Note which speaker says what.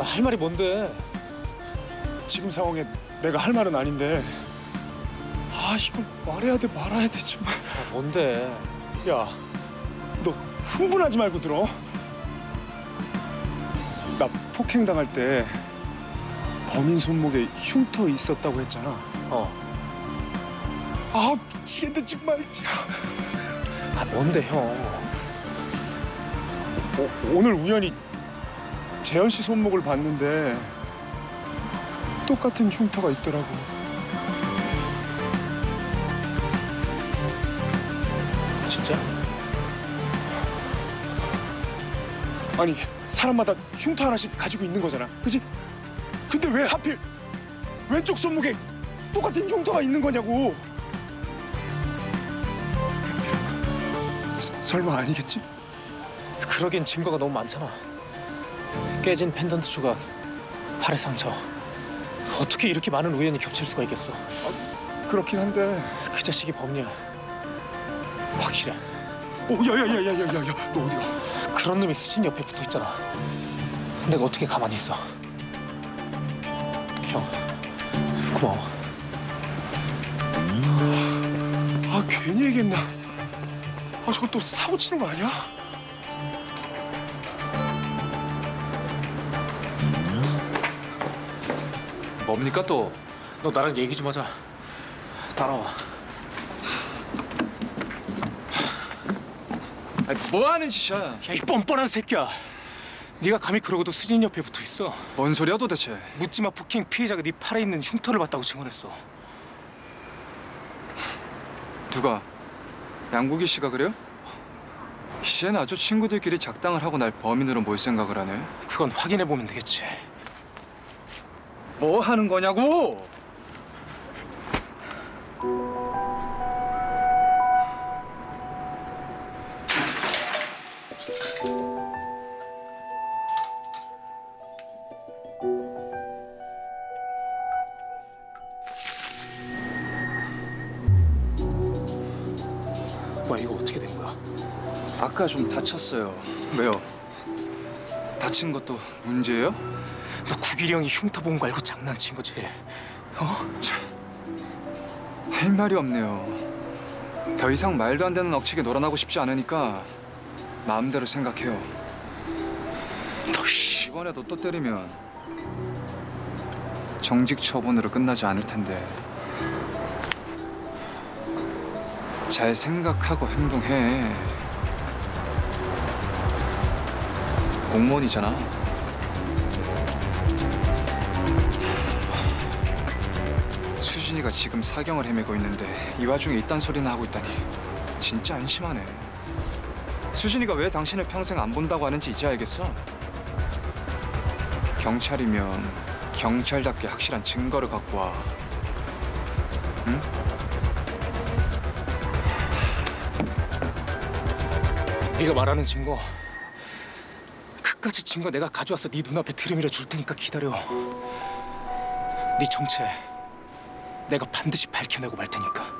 Speaker 1: 할 말이 뭔데?
Speaker 2: 지금 상황에 내가 할 말은 아닌데 이걸 말해야 돼 말아야 돼 정말.
Speaker 1: 뭔데?
Speaker 2: 야, 너 흥분하지 말고 들어. 나 폭행당할 때 범인 손목에 흉터 있었다고 했잖아. 미치겠네 정말.
Speaker 1: 뭔데 형?
Speaker 2: 오늘 우연히 재현 씨 손목을 봤는데 똑같은 흉터가 있더라고.
Speaker 1: 진짜?
Speaker 2: 아니, 사람마다 흉터 하나씩 가지고 있는 거잖아, 그치? 근데 왜 하필 왼쪽 손목에 똑같은 흉터가 있는 거냐고. 설마 아니겠지?
Speaker 1: 그러긴 증거가 너무 많잖아. 깨진 펜던트 조각, 팔의 상처. 어떻게 이렇게 많은 우연이 겹칠 수가 있겠어?
Speaker 2: 그렇긴 한데.
Speaker 1: 그 자식이 범인이야. 확실해.
Speaker 2: 야야야야야야야, 너 어디가?
Speaker 1: 그런 놈이 수진 옆에 붙어 있잖아. 내가 어떻게 가만히 있어? 형, 고마워.
Speaker 2: 괜히 얘기했나? 저거 또 사고 치는 거 아니야?
Speaker 3: 뭡니까 또?
Speaker 1: 너 나랑 얘기 좀 하자. 따라와.
Speaker 3: 뭐 하는 짓이야?
Speaker 1: 야, 이 뻔뻔한 새끼야. 네가 감히 그러고도 수진 옆에 붙어 있어.
Speaker 3: 뭔 소리야 도대체?
Speaker 1: 묻지마 폭행 피해자가 네 팔에 있는 흉터를 봤다고 증언했어.
Speaker 3: 누가? 양국이 씨가 그래요? 이젠 아주 친구들끼리 작당을 하고 날 범인으로 몰 생각을 하네.
Speaker 1: 그건 확인해 보면 되겠지.
Speaker 3: 뭐 하는 거냐고!
Speaker 1: 뭐야, 이거 어떻게 된 거야?
Speaker 3: 아까 좀 다쳤어요. 왜요? 다친 것도 문제예요?
Speaker 1: 너 구길이 형이 흉터 본 거 알고 장난친 거지?
Speaker 3: 할 말이 없네요. 더 이상 말도 안 되는 억측에 놀아나고 싶지 않으니까 마음대로 생각해요. 이번에도 또 때리면 정직 처분으로 끝나지 않을 텐데 잘 생각하고 행동해. 공무원이잖아. 수진이가 지금 사경을 헤매고 있는데 이 와중에 이딴 소리나 하고 있다니 진짜 안심하네. 수진이가 왜 당신을 평생 안 본다고 하는지 이제 알겠어? 경찰이면 경찰답게 확실한 증거를 갖고 와. 응?
Speaker 1: 네가 말하는 증거, 그까지 증거 내가 가져와서 네 눈앞에 들이밀어 줄 테니까 기다려. 네 정체 내가 반드시 밝혀내고 말 테니까.